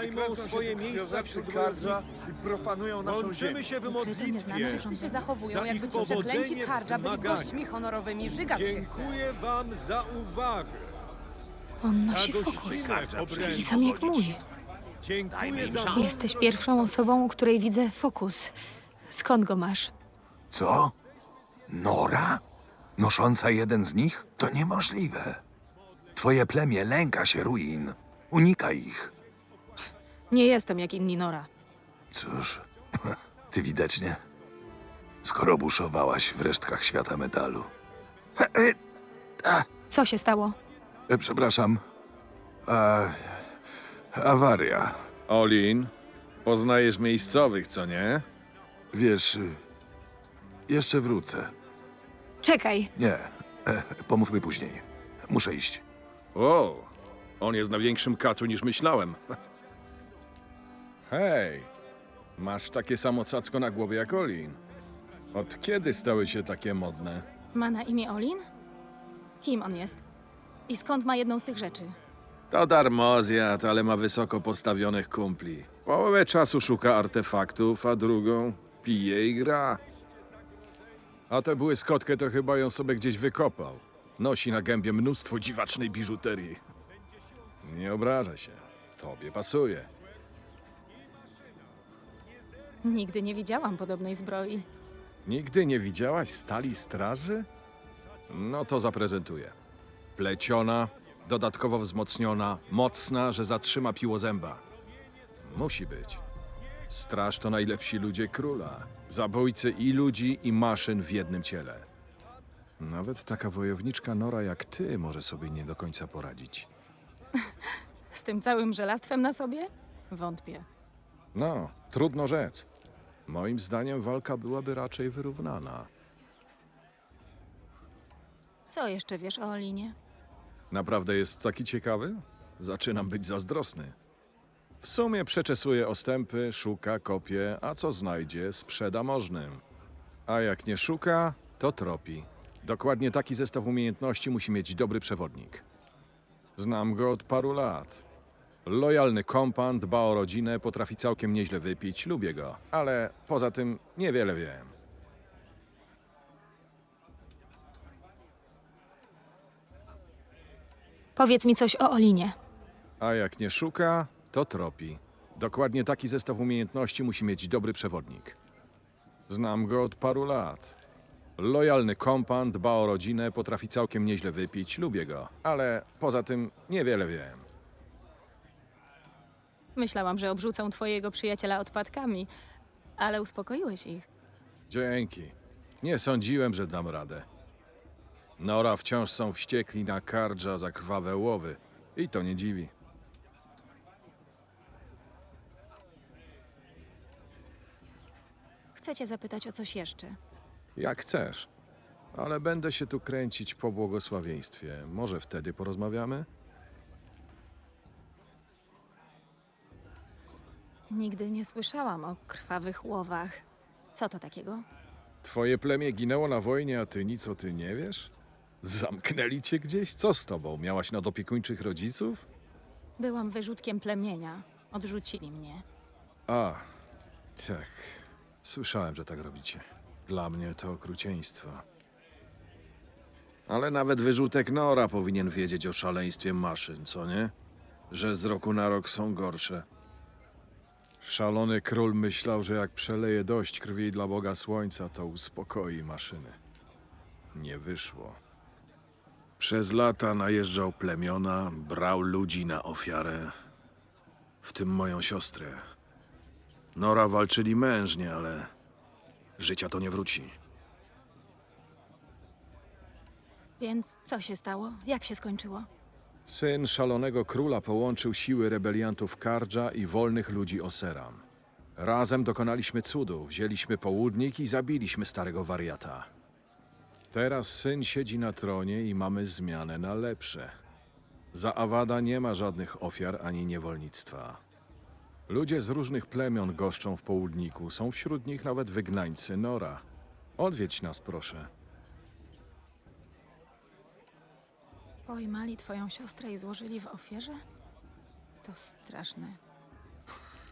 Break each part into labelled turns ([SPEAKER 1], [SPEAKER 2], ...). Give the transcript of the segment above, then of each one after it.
[SPEAKER 1] zajmą swoje miejsca wśród Kardża i profanują naszą
[SPEAKER 2] Łączymy
[SPEAKER 1] ziemię.
[SPEAKER 2] się w
[SPEAKER 3] Ukryte nieznane
[SPEAKER 2] modlitwie.
[SPEAKER 3] rządy
[SPEAKER 4] się zachowują,
[SPEAKER 2] Za
[SPEAKER 4] jakby
[SPEAKER 2] ich
[SPEAKER 4] ci przeklęci
[SPEAKER 2] powodzenie w
[SPEAKER 4] Kardża byli
[SPEAKER 2] zmaganiu.
[SPEAKER 4] gośćmi honorowymi. Żygać się chce.
[SPEAKER 2] Dziękuję wam za uwagę.
[SPEAKER 3] On
[SPEAKER 2] Za
[SPEAKER 3] nosi fokus.
[SPEAKER 2] gościnę obrębu.
[SPEAKER 3] Taki sam jak mój.
[SPEAKER 2] Dziękuję za
[SPEAKER 3] Jesteś pierwszą osobą, u której widzę fokus. Skąd go masz?
[SPEAKER 5] Co? Nora? Nosząca jeden z nich? To niemożliwe. Twoje plemię lęka się ruin. Unika ich.
[SPEAKER 3] Nie jestem jak inni Nora.
[SPEAKER 5] Cóż, ty widocznie. Skoro buszowałaś w resztkach świata metalu.
[SPEAKER 3] Co się stało?
[SPEAKER 5] Przepraszam. Awaria.
[SPEAKER 6] Olin, poznajesz miejscowych, co nie?
[SPEAKER 5] Wiesz, jeszcze wrócę.
[SPEAKER 3] Czekaj.
[SPEAKER 5] Nie, pomówmy później. Muszę iść.
[SPEAKER 6] O, on jest na większym kacu niż myślałem. Hej, masz takie samo cacko na głowie jak Olin. Od kiedy stały się takie modne?
[SPEAKER 3] Ma na imię Olin? Kim on jest? I skąd ma jedną z tych rzeczy?
[SPEAKER 6] To darmozjad, ale ma wysoko postawionych kumpli. Połowę czasu szuka artefaktów, a drugą pije i gra. A tę błyskotkę to chyba ją sobie gdzieś wykopał. Nosi na gębie mnóstwo dziwacznej biżuterii. Nie obraża się. Tobie pasuje.
[SPEAKER 3] Nigdy nie widziałam podobnej zbroi.
[SPEAKER 6] Nigdy nie widziałaś stali straży? No to zaprezentuję. Pleciona, dodatkowo wzmocniona, mocna, że zatrzyma piłozęba. Musi być. Straż to najlepsi ludzie króla. Zabójcy i ludzi, i maszyn w jednym ciele. Nawet taka wojowniczka Nora jak ty może sobie nie do końca poradzić.
[SPEAKER 3] Z tym całym żelastwem na sobie? Wątpię.
[SPEAKER 6] No, trudno rzec. Moim zdaniem walka byłaby raczej wyrównana.
[SPEAKER 3] Co jeszcze wiesz o Olinie?
[SPEAKER 6] Naprawdę jest taki ciekawy? Zaczynam być zazdrosny. W sumie przeczesuje ostępy, szuka, kopie, a co znajdzie, sprzeda możnym. A jak nie szuka, to tropi. Dokładnie taki zestaw umiejętności musi mieć dobry przewodnik. Znam go od paru lat. Lojalny kompan, dba o rodzinę, potrafi całkiem nieźle wypić, lubię go. Ale poza tym niewiele wiem.
[SPEAKER 3] Powiedz mi coś o Olinie.
[SPEAKER 6] A jak nie szuka, to tropi. Dokładnie taki zestaw umiejętności musi mieć dobry przewodnik. Znam go od paru lat. Lojalny kompan, dba o rodzinę, potrafi całkiem nieźle wypić, lubię go. Ale poza tym niewiele wiem.
[SPEAKER 3] Myślałam, że obrzucą twojego przyjaciela odpadkami, ale uspokoiłeś ich.
[SPEAKER 6] Dzięki. Nie sądziłem, że dam radę. Nora wciąż są wściekli na Kardża za krwawe łowy. I to nie dziwi.
[SPEAKER 3] Chcę cię zapytać o coś jeszcze.
[SPEAKER 6] Jak chcesz. Ale będę się tu kręcić po błogosławieństwie. Może wtedy porozmawiamy?
[SPEAKER 3] Nigdy nie słyszałam o krwawych łowach. Co to takiego?
[SPEAKER 6] Twoje plemię ginęło na wojnie, a ty nic o tym nie wiesz? Zamknęli cię gdzieś? Co z tobą? Miałaś nadopiekuńczych rodziców?
[SPEAKER 3] Byłam wyrzutkiem plemienia. Odrzucili mnie.
[SPEAKER 6] A, tak. Słyszałem, że tak robicie. Dla mnie to okrucieństwo. Ale nawet wyrzutek Nora powinien wiedzieć o szaleństwie maszyn, co nie? Że z roku na rok są gorsze. Szalony król myślał, że jak przeleje dość krwi dla Boga Słońca, to uspokoi maszyny. Nie wyszło. Przez lata najeżdżał plemiona, brał ludzi na ofiarę, w tym moją siostrę. Nora walczyli mężnie, ale życia to nie wróci.
[SPEAKER 3] Więc co się stało? Jak się skończyło?
[SPEAKER 6] Syn szalonego króla połączył siły rebeliantów Kardża i wolnych ludzi Oseram. Razem dokonaliśmy cudu, wzięliśmy południk i zabiliśmy starego wariata. Teraz syn siedzi na tronie i mamy zmianę na lepsze. Za Awada nie ma żadnych ofiar ani niewolnictwa. Ludzie z różnych plemion goszczą w południku, są wśród nich nawet wygnańcy Nora. Odwiedź nas, proszę.
[SPEAKER 3] Pojmali twoją siostrę i złożyli w ofierze? To straszne.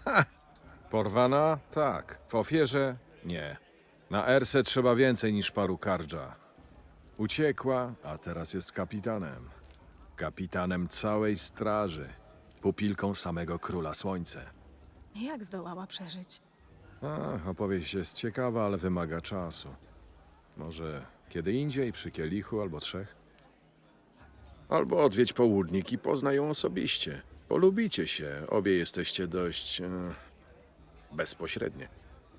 [SPEAKER 6] Porwana? Tak. W ofierze? Nie. Na Erse trzeba więcej niż paru kardża. Uciekła, a teraz jest kapitanem. Kapitanem całej straży. Pupilką samego Króla Słońce.
[SPEAKER 3] Jak zdołała przeżyć?
[SPEAKER 6] Opowieść jest ciekawa, ale wymaga czasu. Może kiedy indziej, przy kielichu albo trzech? Albo odwiedź południk i poznaj ją osobiście. Polubicie się, obie jesteście dość bezpośrednie.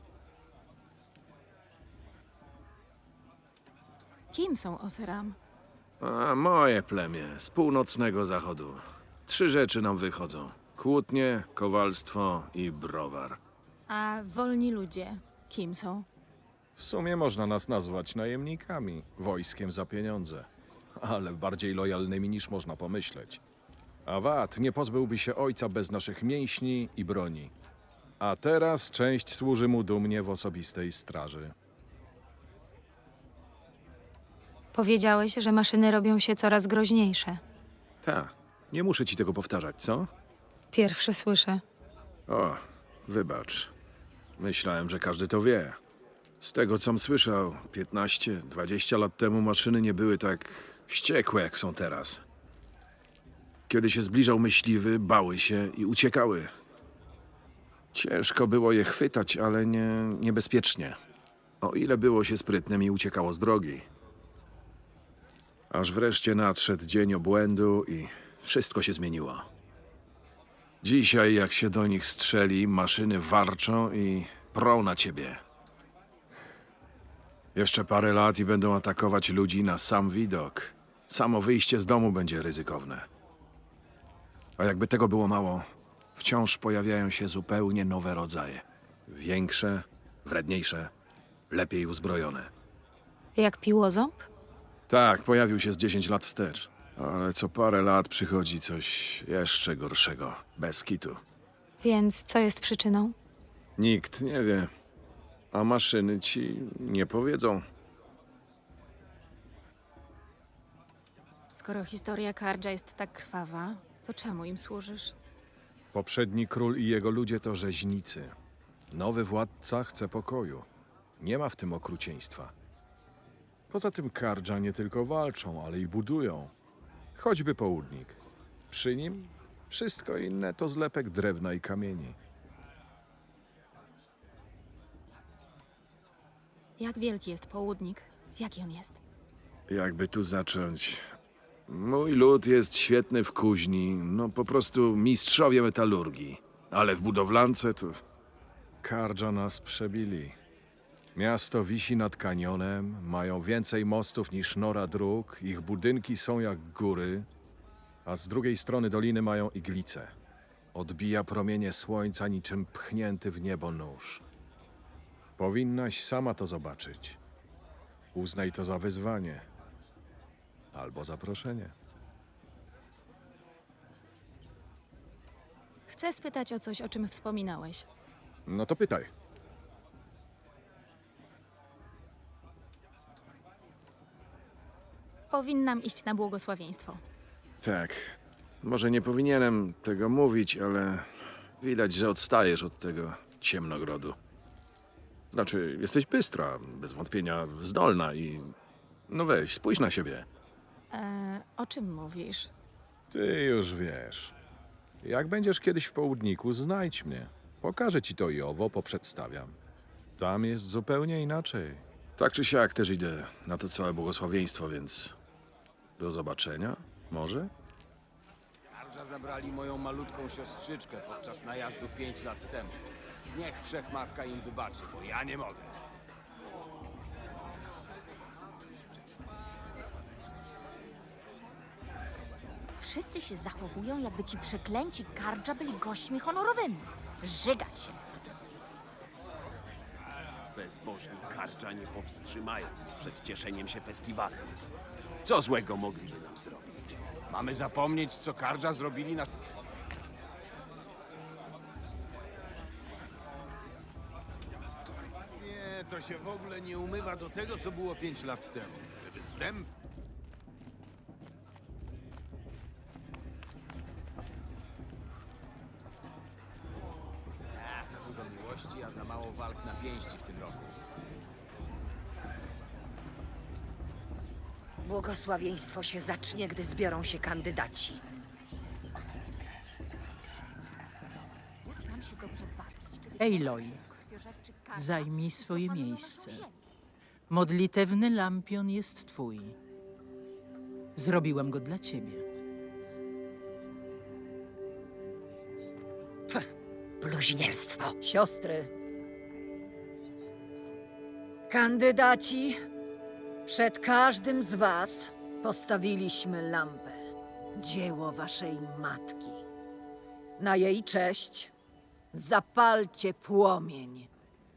[SPEAKER 3] Kim są Oseram?
[SPEAKER 6] A moje plemię z północnego zachodu. 3 rzeczy nam wychodzą: kłótnie, kowalstwo i browar.
[SPEAKER 3] A wolni ludzie kim są?
[SPEAKER 6] W sumie można nas nazwać najemnikami, wojskiem za pieniądze, ale bardziej lojalnymi niż można pomyśleć. Awad nie pozbyłby się ojca bez naszych mięśni i broni. A teraz część służy mu dumnie w osobistej straży.
[SPEAKER 3] Powiedziałeś, że maszyny robią się coraz groźniejsze.
[SPEAKER 6] Tak, nie muszę ci tego powtarzać, co?
[SPEAKER 3] Pierwsze słyszę.
[SPEAKER 6] O, wybacz. Myślałem, że każdy to wie. Z tego, com słyszał, 15-20 lat temu maszyny nie były tak wściekłe, jak są teraz. Kiedy się zbliżał myśliwy, bały się i uciekały. Ciężko było je chwytać, ale niebezpiecznie. O ile było się sprytnym i uciekało z drogi. Aż wreszcie nadszedł dzień obłędu i wszystko się zmieniło. Dzisiaj, jak się do nich strzeli, maszyny warczą i prą na ciebie. Jeszcze parę lat i będą atakować ludzi na sam widok. Samo wyjście z domu będzie ryzykowne. A jakby tego było mało, wciąż pojawiają się zupełnie nowe rodzaje. Większe, wredniejsze, lepiej uzbrojone.
[SPEAKER 3] Jak piłoząb?
[SPEAKER 6] Tak, pojawił się z 10 lat wstecz. Ale co parę lat przychodzi coś jeszcze gorszego. Bez kitu.
[SPEAKER 3] Więc co jest przyczyną?
[SPEAKER 6] Nikt nie wie. A maszyny ci nie powiedzą.
[SPEAKER 3] Skoro historia Kardża jest tak krwawa, to czemu im służysz?
[SPEAKER 6] Poprzedni król i jego ludzie to rzeźnicy. Nowy władca chce pokoju. Nie ma w tym okrucieństwa. Poza tym Kardża nie tylko walczą, ale i budują. Choćby południk. Przy nim wszystko inne to zlepek drewna i kamieni.
[SPEAKER 3] Jak wielki jest południk? Jaki on jest?
[SPEAKER 6] Jakby tu zacząć? Mój lud jest świetny w kuźni, no po prostu mistrzowie metalurgii. Ale w budowlance to... Kardża nas przebili. Miasto wisi nad kanionem, mają więcej mostów niż nora dróg, ich budynki są jak góry, a z drugiej strony doliny mają iglice. Odbija promienie słońca niczym pchnięty w niebo nóż. Powinnaś sama to zobaczyć. Uznaj to za wyzwanie. Albo zaproszenie.
[SPEAKER 3] Chcę spytać o coś, o czym wspominałeś.
[SPEAKER 6] No to pytaj.
[SPEAKER 3] Powinnam iść na błogosławieństwo.
[SPEAKER 6] Tak. Może nie powinienem tego mówić, ale widać, że odstajesz od tego ciemnogrodu. Znaczy, jesteś bystra, bez wątpienia zdolna i... No weź, spójrz na siebie.
[SPEAKER 3] O czym mówisz?
[SPEAKER 6] Ty już wiesz. Jak będziesz kiedyś w południku, znajdź mnie. Pokażę ci to i owo, poprzedstawiam. Tam jest zupełnie inaczej. Tak czy siak też idę na to całe błogosławieństwo, więc... Do zobaczenia, może?
[SPEAKER 2] Kardża zabrali moją malutką siostrzyczkę podczas najazdu 5 lat temu. Niech Wszechmatka im wybaczy, bo ja nie mogę.
[SPEAKER 4] Wszyscy się zachowują, jakby ci przeklęci Kardża byli gośćmi honorowymi. Żygać się chce.
[SPEAKER 7] Bezbożni Kardża nie powstrzymają przed cieszeniem się festiwalem. Co złego mogliby nam zrobić?
[SPEAKER 2] Mamy zapomnieć, co Kardża zrobili na...
[SPEAKER 8] Nie, to się w ogóle nie umywa do tego, co było 5 lat temu. Te występy.
[SPEAKER 2] miłości, a za mało walk na pięści w tym roku.
[SPEAKER 9] Błogosławieństwo się zacznie, gdy zbiorą się kandydaci.
[SPEAKER 4] Jak nam się dobrze bawić, kiedy
[SPEAKER 10] Aloy,
[SPEAKER 4] krwiożerczy Karga
[SPEAKER 10] zajmij swoje
[SPEAKER 4] profanują
[SPEAKER 10] miejsce.
[SPEAKER 4] naszą ziemię?
[SPEAKER 10] Modlitewny lampion jest twój. Zrobiłem go dla ciebie.
[SPEAKER 9] Bluźnierstwo.
[SPEAKER 11] Siostry, kandydaci, przed każdym z was postawiliśmy lampę. Dzieło waszej matki. Na jej cześć zapalcie płomień.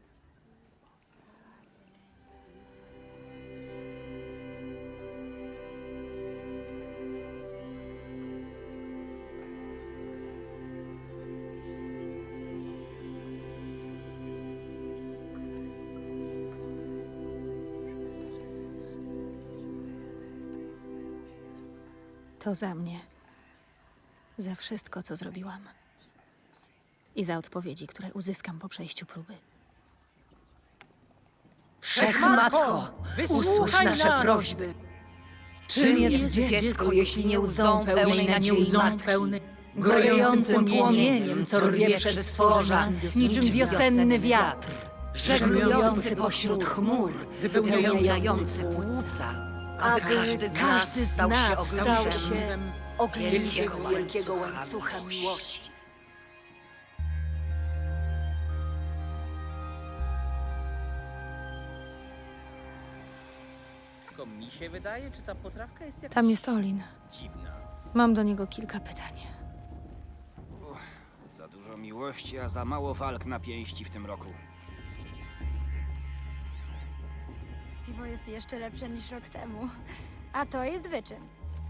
[SPEAKER 3] To za mnie. Za wszystko, co zrobiłam. I za odpowiedzi, które uzyskam po przejściu próby.
[SPEAKER 11] Wszechmatko, usłysz nasze
[SPEAKER 10] nas!
[SPEAKER 11] prośby. Czym jest dziecko, jeśli nie łzą pełnej nadziei matki? Grojącym płomieniem, co rwie przez stworza, niczym wiosenny wiatr, żeglujący pośród chmur, wypełniający płuca, aby każdy z nas stał się ogniem wielkiego łańcucha miłości.
[SPEAKER 2] Tylko mi się wydaje, czy ta potrawka jest jakaś
[SPEAKER 3] Tam jest Olin.
[SPEAKER 2] dziwna.
[SPEAKER 3] Mam do niego kilka pytań.
[SPEAKER 12] Za dużo miłości, a za mało walk na pięści w tym roku.
[SPEAKER 13] Piwo jest jeszcze lepsze niż rok temu. A to jest wyczyn.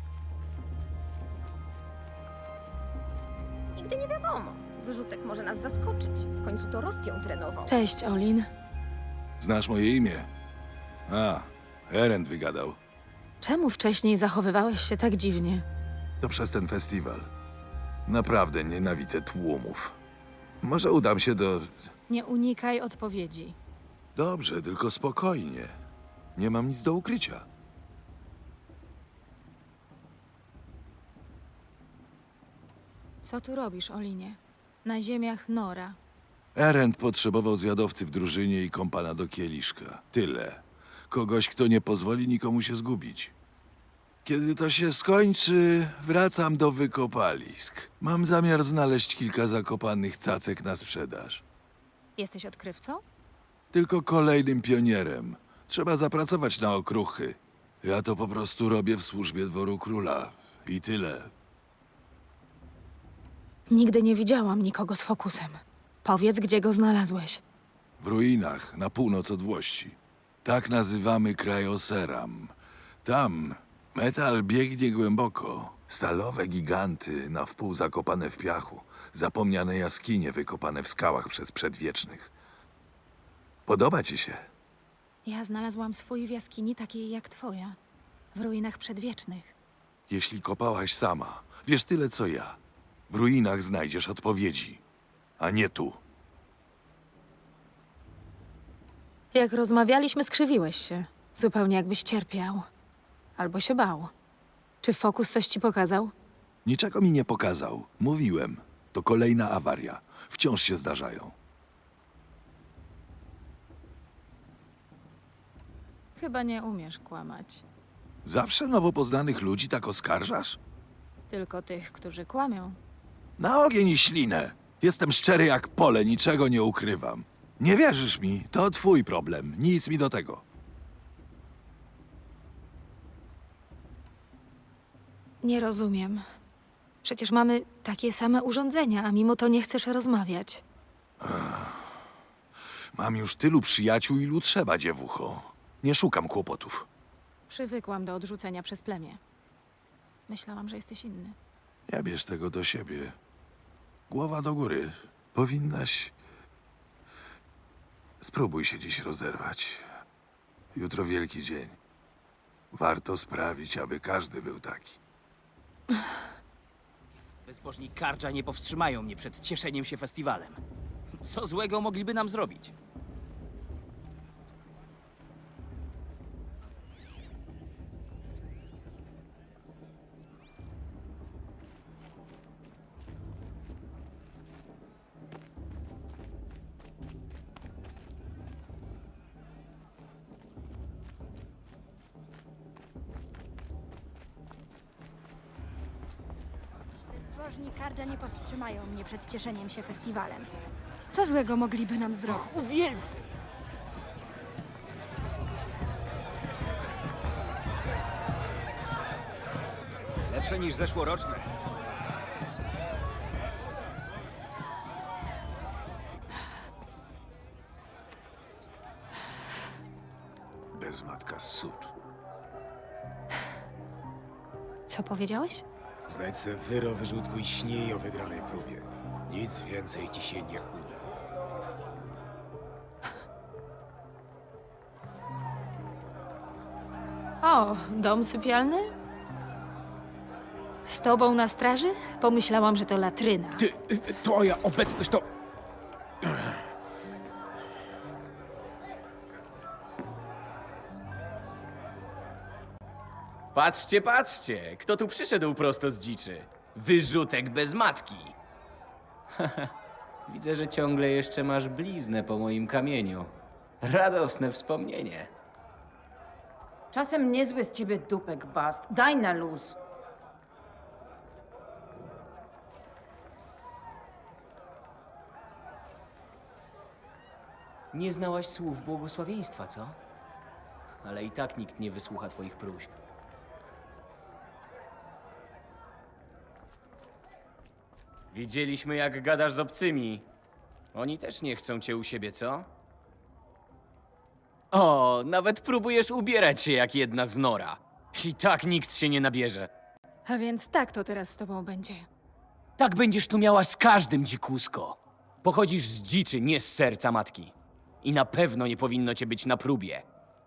[SPEAKER 4] Nigdy nie wiadomo. Wyrzutek może nas zaskoczyć. W końcu to Rost ją trenował.
[SPEAKER 3] Cześć, Olin.
[SPEAKER 5] Znasz moje imię? A, Erend wygadał.
[SPEAKER 3] Czemu wcześniej zachowywałeś się tak dziwnie?
[SPEAKER 5] To przez ten festiwal. Naprawdę nienawidzę tłumów. Może udam się do...
[SPEAKER 3] Nie unikaj odpowiedzi.
[SPEAKER 5] Dobrze, tylko spokojnie. Nie mam nic do ukrycia.
[SPEAKER 3] Co tu robisz, Olinie? Na ziemiach Nora.
[SPEAKER 5] Erend potrzebował zwiadowcy w drużynie i kompana do kieliszka. Tyle. Kogoś, kto nie pozwoli nikomu się zgubić. Kiedy to się skończy, wracam do wykopalisk. Mam zamiar znaleźć kilka zakopanych cacek na sprzedaż.
[SPEAKER 3] Jesteś odkrywcą?
[SPEAKER 5] Tylko kolejnym pionierem. Trzeba zapracować na okruchy. Ja to po prostu robię w służbie dworu króla. I tyle.
[SPEAKER 3] Nigdy nie widziałam nikogo z fokusem. Powiedz, gdzie go znalazłeś.
[SPEAKER 5] W ruinach, na północ od Włości. Tak nazywamy kraj Oseram. Tam metal biegnie głęboko. Stalowe giganty, na wpół zakopane w piachu. Zapomniane jaskinie wykopane w skałach przez przedwiecznych. Podoba ci się?
[SPEAKER 3] Ja znalazłam swój w jaskini takiej jak twoja. W ruinach przedwiecznych.
[SPEAKER 5] Jeśli kopałaś sama, wiesz tyle co ja. W ruinach znajdziesz odpowiedzi, a nie tu.
[SPEAKER 3] Jak rozmawialiśmy, skrzywiłeś się. Zupełnie jakbyś cierpiał. Albo się bał. Czy fokus coś ci pokazał?
[SPEAKER 5] Niczego mi nie pokazał. Mówiłem. To kolejna awaria. Wciąż się zdarzają.
[SPEAKER 3] Chyba nie umiesz kłamać.
[SPEAKER 5] Zawsze nowo poznanych ludzi tak oskarżasz?
[SPEAKER 3] Tylko tych, którzy kłamią.
[SPEAKER 5] Na ogień i ślinę. Jestem szczery jak pole, niczego nie ukrywam. Nie wierzysz mi? To twój problem. Nic mi do tego.
[SPEAKER 3] Nie rozumiem. Przecież mamy takie same urządzenia, a mimo to nie chcesz rozmawiać.
[SPEAKER 5] Mam już tylu przyjaciół, ilu trzeba, dziewucho. Nie szukam kłopotów.
[SPEAKER 3] Przywykłam do odrzucenia przez plemię. Myślałam, że jesteś inny.
[SPEAKER 5] Nie bierz tego do siebie. Głowa do góry. Powinnaś... Spróbuj się dziś rozerwać. Jutro wielki dzień. Warto sprawić, aby każdy był taki.
[SPEAKER 12] Bezbożni Kardża nie powstrzymają mnie przed cieszeniem się festiwalem. Co złego mogliby nam zrobić?
[SPEAKER 13] Bezbożni Kardża nie powstrzymają mnie przed cieszeniem się festiwalem. Co złego mogliby nam zrobić?
[SPEAKER 2] Uwielbiam! Lepsze niż zeszłoroczne.
[SPEAKER 8] Bez matka sód.
[SPEAKER 3] Co powiedziałeś?
[SPEAKER 8] Znajdź se wyro, wyrzutku i śnij o wygranej próbie. Nic więcej ci się nie uda.
[SPEAKER 3] O, dom sypialny? Z tobą na straży? Pomyślałam, że to latryna.
[SPEAKER 8] Ty, twoja obecność to...
[SPEAKER 2] Patrzcie, patrzcie! Kto tu przyszedł prosto z dziczy? Wyrzutek bez matki! Widzę, że ciągle jeszcze masz bliznę po moim kamieniu. Radosne wspomnienie.
[SPEAKER 11] Czasem niezły z ciebie dupek, Bast. Daj na luz.
[SPEAKER 2] Nie znałaś słów błogosławieństwa, co? Ale i tak nikt nie wysłucha twoich próśb. Widzieliśmy, jak gadasz z obcymi. Oni też nie chcą cię u siebie, co? O, nawet próbujesz ubierać się jak jedna z Nora. I tak nikt się nie nabierze.
[SPEAKER 3] A więc tak to teraz z tobą będzie.
[SPEAKER 2] Tak będziesz tu miała z każdym, dzikusko. Pochodzisz z dziczy, nie z serca matki. I na pewno nie powinno cię być na próbie.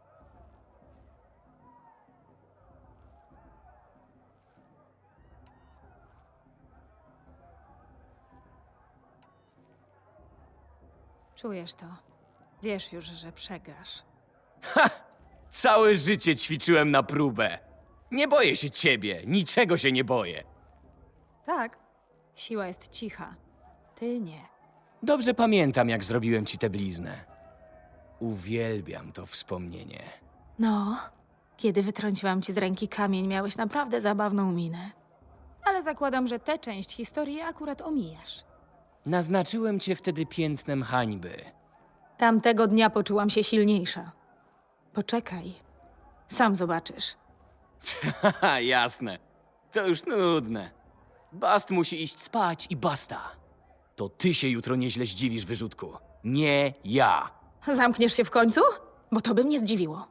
[SPEAKER 3] Czujesz to. Wiesz już, że przegrasz.
[SPEAKER 2] Całe życie ćwiczyłem na próbę. Nie boję się ciebie, niczego się nie boję.
[SPEAKER 3] Tak. Siła jest cicha. Ty nie.
[SPEAKER 2] Dobrze pamiętam, jak zrobiłem ci tę bliznę. Uwielbiam to wspomnienie.
[SPEAKER 3] No, kiedy wytrąciłam ci z ręki kamień, miałeś naprawdę zabawną minę. Ale zakładam, że tę część historii akurat omijasz.
[SPEAKER 2] Naznaczyłem cię wtedy piętnem hańby.
[SPEAKER 3] Tamtego dnia poczułam się silniejsza. Poczekaj. Sam zobaczysz.
[SPEAKER 2] Haha, jasne. To już nudne. Bast musi iść spać i basta. To ty się jutro nieźle zdziwisz, wyrzutku. Nie ja.
[SPEAKER 3] Zamkniesz się w końcu? Bo to by mnie zdziwiło.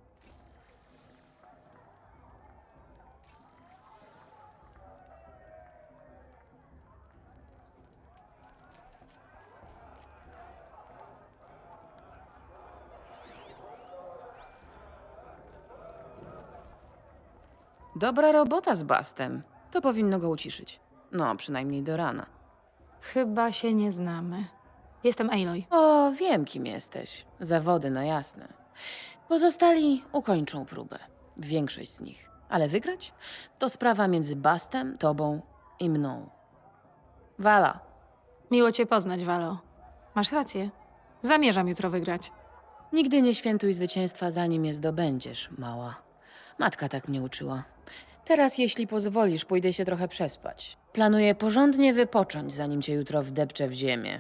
[SPEAKER 11] Dobra robota z Bastem. To powinno go uciszyć. No, przynajmniej do rana.
[SPEAKER 3] Chyba się nie znamy. Jestem Aloy.
[SPEAKER 11] O, wiem, kim jesteś. Zawody na jasne. Pozostali ukończą próbę. Większość z nich. Ale wygrać? To sprawa między Bastem, tobą i mną. Wala.
[SPEAKER 3] Miło cię poznać, Valo. Masz rację. Zamierzam jutro wygrać.
[SPEAKER 11] Nigdy nie świętuj zwycięstwa, zanim je zdobędziesz, mała. Matka tak mnie uczyła. Teraz, jeśli pozwolisz, pójdę się trochę przespać. Planuję porządnie wypocząć, zanim cię jutro wdepczę w ziemię.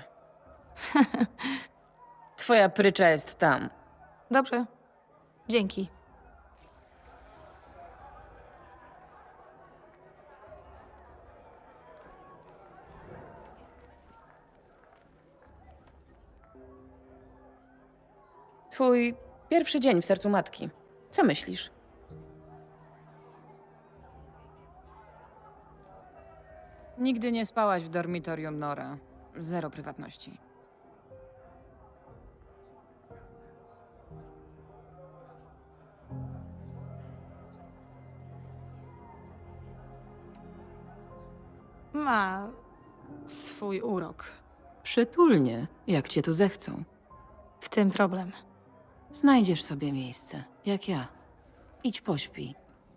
[SPEAKER 11] Twoja prycza jest tam.
[SPEAKER 3] Dobrze. Dzięki.
[SPEAKER 11] Twój pierwszy dzień w sercu matki. Co myślisz? Nigdy nie spałaś w dormitorium Nora. Zero prywatności.
[SPEAKER 3] Ma swój urok.
[SPEAKER 10] Przytulnie, jak cię tu zechcą.
[SPEAKER 3] W tym problem.
[SPEAKER 10] Znajdziesz sobie miejsce, jak ja. Idź pośpij.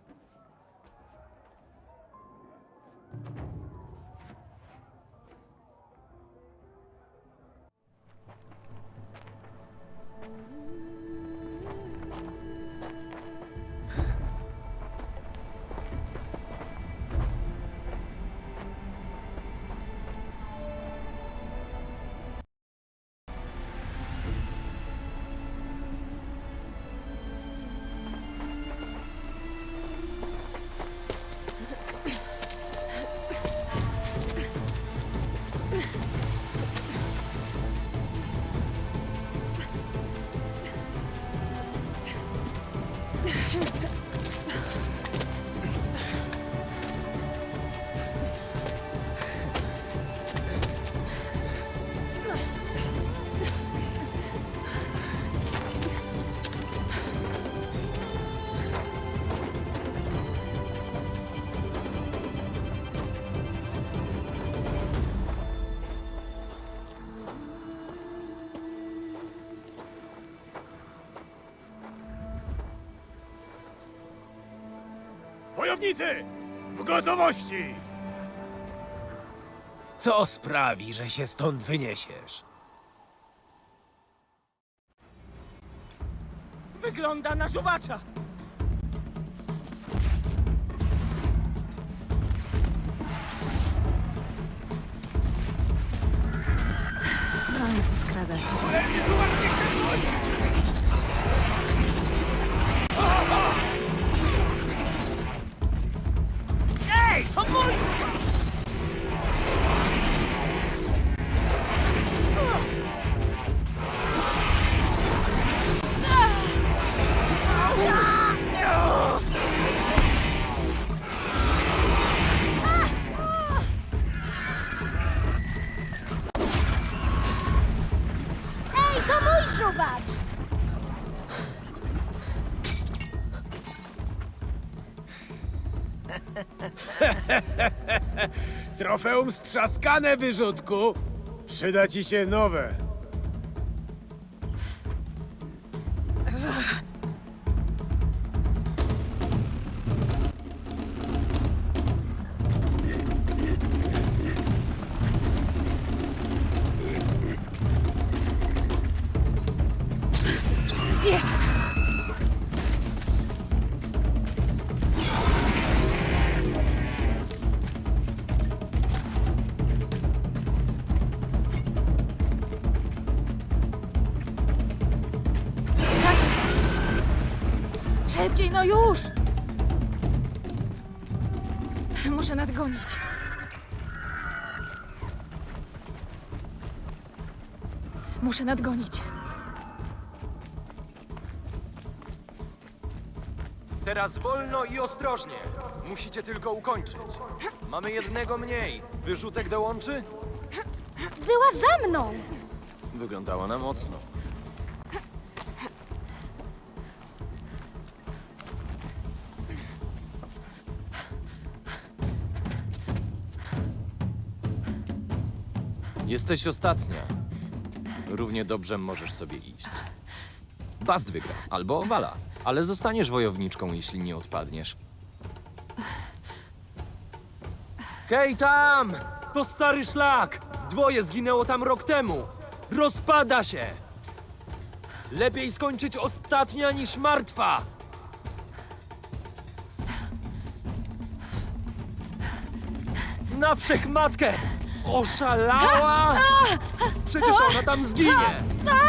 [SPEAKER 8] Wojownicy! W gotowości! Co sprawi, że się stąd wyniesiesz?
[SPEAKER 12] Wygląda na żuwacza!
[SPEAKER 3] No i poskradaj.
[SPEAKER 12] Ej, to mój!
[SPEAKER 13] Ej, to mój żubacz!
[SPEAKER 8] Trofeum strzaskane, wyrzutku! Przyda ci się nowe.
[SPEAKER 3] Jeszcze raz. Tak jest. Szybciej, no już! Muszę nadgonić. Muszę nadgonić.
[SPEAKER 14] Teraz wolno i ostrożnie. Musicie tylko ukończyć. Mamy jednego mniej. Wyrzutek dołączy?
[SPEAKER 13] Była za mną!
[SPEAKER 14] Wyglądała na mocno. Jesteś ostatnia. Równie dobrze możesz sobie iść. Bast wygra, albo Wala, ale zostaniesz wojowniczką, jeśli nie odpadniesz. Hej tam! To stary szlak! Dwoje zginęło tam rok temu! Rozpada się! Lepiej skończyć ostatnia niż martwa! Na wszechmatkę! Oszalała! Przecież ona tam zginie!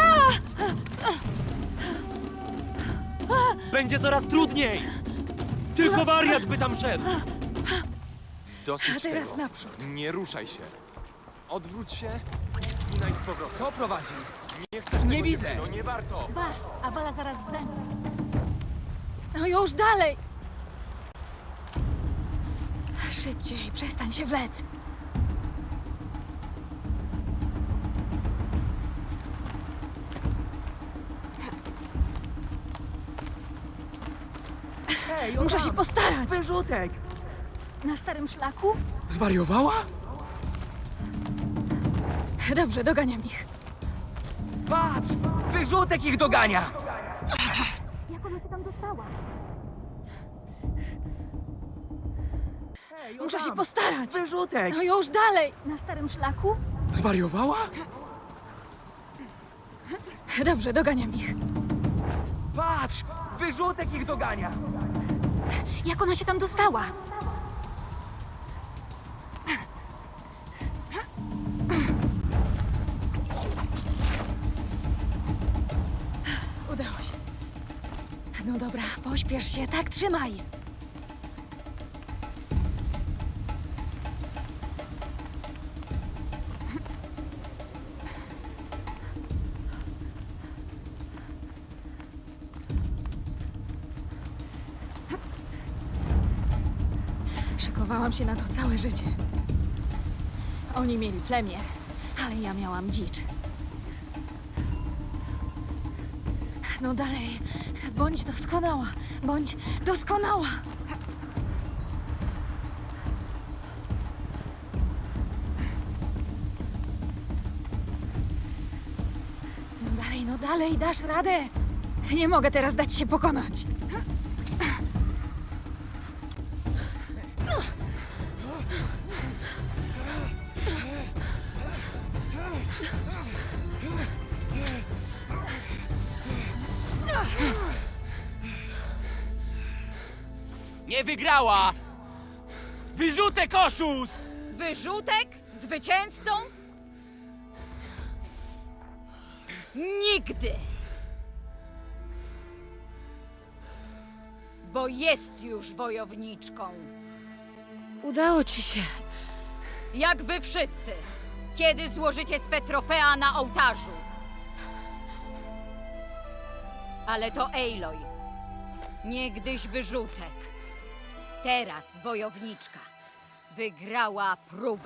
[SPEAKER 14] Będzie coraz trudniej! Tylko wariat by tam szedł! Dosyć
[SPEAKER 3] A teraz
[SPEAKER 14] tego.
[SPEAKER 3] naprzód.
[SPEAKER 14] Nie ruszaj się. Odwróć się i spinaj z powrotem. Kto prowadzi? Nie chcesz nie widzę. Dziewczyno, nie warto.
[SPEAKER 13] Bast, a Wala zaraz za mną.
[SPEAKER 3] No już dalej! Szybciej, przestań się wlec. Muszę się postarać.
[SPEAKER 12] Wyrzutek!
[SPEAKER 13] Na starym szlaku?
[SPEAKER 14] Zwariowała?
[SPEAKER 3] Dobrze, doganiam ich.
[SPEAKER 14] Patrz! Wyrzutek ich dogania!
[SPEAKER 13] Jak ona się tam dostała?
[SPEAKER 3] Muszę się postarać.
[SPEAKER 14] Wyrzutek!
[SPEAKER 3] No już dalej.
[SPEAKER 13] Na starym szlaku?
[SPEAKER 14] Zwariowała?
[SPEAKER 3] Dobrze, doganiam ich.
[SPEAKER 14] Patrz! Wyrzutek ich dogania!
[SPEAKER 13] Jak ona się tam dostała?
[SPEAKER 3] Udało się. No dobra, pośpiesz się, tak trzymaj. Szykowałam się na to całe życie. Oni mieli plemię, ale ja miałam dzicz. No dalej, bądź doskonała, bądź doskonała. No dalej, dasz radę. Nie mogę teraz dać się pokonać.
[SPEAKER 14] Nie wygrała! Wyrzutek oszust!
[SPEAKER 11] Wyrzutek? Zwycięzcą? Nigdy! Bo jest już wojowniczką.
[SPEAKER 3] Udało ci się.
[SPEAKER 11] Jak wy wszyscy. Kiedy złożycie swe trofea na ołtarzu. Ale to Aloy. Niegdyś wyrzutek. Teraz wojowniczka. Wygrała próbę.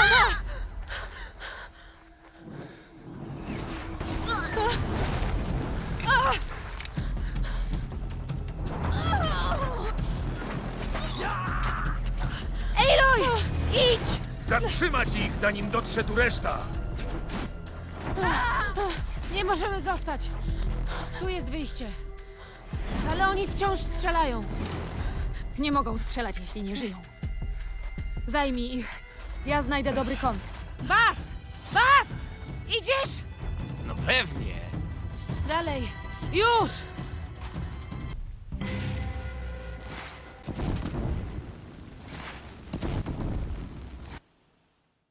[SPEAKER 3] Aloy! Idź!
[SPEAKER 1] Zatrzymać ich, zanim dotrze tu reszta!
[SPEAKER 3] Nie możemy zostać. Tu jest wyjście. Ale oni wciąż strzelają. Nie mogą strzelać, jeśli nie żyją. Zajmij ich. Ja znajdę dobry kąt. Bast! Bast! Idziesz?
[SPEAKER 14] No pewnie.
[SPEAKER 3] Dalej. Już!